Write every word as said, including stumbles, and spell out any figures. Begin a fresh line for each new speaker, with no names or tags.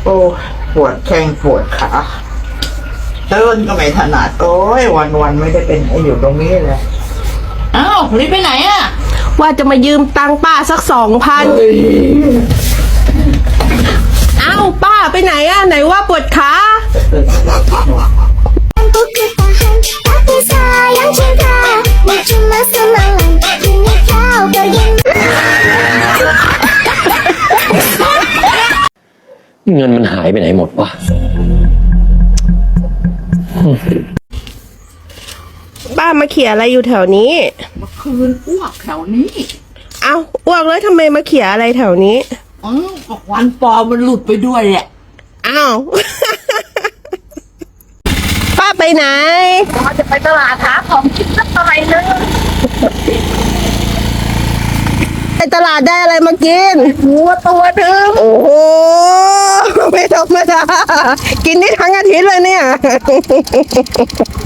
โอ้ปวดแข้งปวดขาเดินก็ไม่ถนัดโอ้ยวันวันไม่ได้เป็นไอ้อยู่ตรงนี้เลยอ้าวรีบไปไหนอ่ะ
ว่าจะมายืมตังค์ป้าสักสองพันเอ้าป้าไปไหนอ่ะไหนว่าปวดขา
เงินมันหายไปไหนหมดวะ
ป้ามาเขี่ยอะไรอยู่แถวนี้
เมื่อคืนอ้วกแถวนี้
เอ้าอ้วกแล้วทำไมมาเขี่ยอะไรแถวนี้
อ๋อวันปอมันหลุดไปด้วยแหละ
อ้าว ป้าไปไหน
ป้าจะไปตลาดหาของกินสักหน่อยนึง
ไปตลาดได้อะไรมากิน
หมูตัวหนึ่ง
โอ้โหไม่ธรรมดากินได้ทั้งอาทิตย์เลยเนี่ย